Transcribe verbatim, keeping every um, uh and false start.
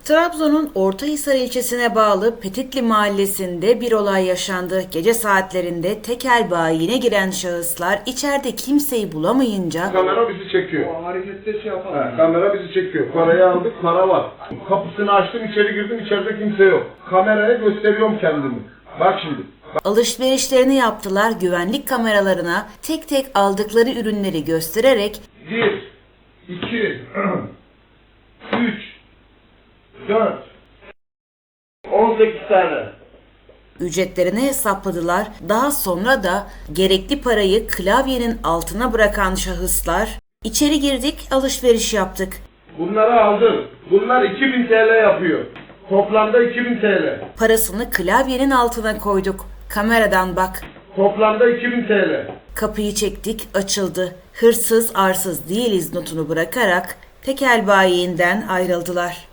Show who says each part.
Speaker 1: Trabzon'un Ortahisar ilçesine bağlı Petitli mahallesinde bir olay yaşandı. Gece saatlerinde tekel bayine giren şahıslar içeride kimseyi bulamayınca
Speaker 2: kamera bizi çekiyor.
Speaker 3: O harekette şey yapalım.
Speaker 2: He, kamera bizi çekiyor. Parayı aldık, para var. Kapısını açtım, içeri girdim, içeride kimse yok. Kameraya gösteriyorum kendimi. Bak şimdi.
Speaker 1: alışverişlerini yaptılar, güvenlik kameralarına tek tek aldıkları ürünleri göstererek
Speaker 2: Bir, iki, üç, dört, on sekiz tane.
Speaker 1: ücretlerini hesapladılar. Daha sonra da gerekli parayı klavyenin altına bırakan şahıslar içeri girdik, alışveriş yaptık.
Speaker 2: Bunları aldım. Bunlar iki bin T L yapıyor. Toplamda iki bin T L.
Speaker 1: Parasını klavyenin altına koyduk. Kameradan bak.
Speaker 2: Toplamda iki bin T L.
Speaker 1: Kapıyı çektik, açıldı. Hırsız arsız değiliz notunu bırakarak tekel bayiinden ayrıldılar.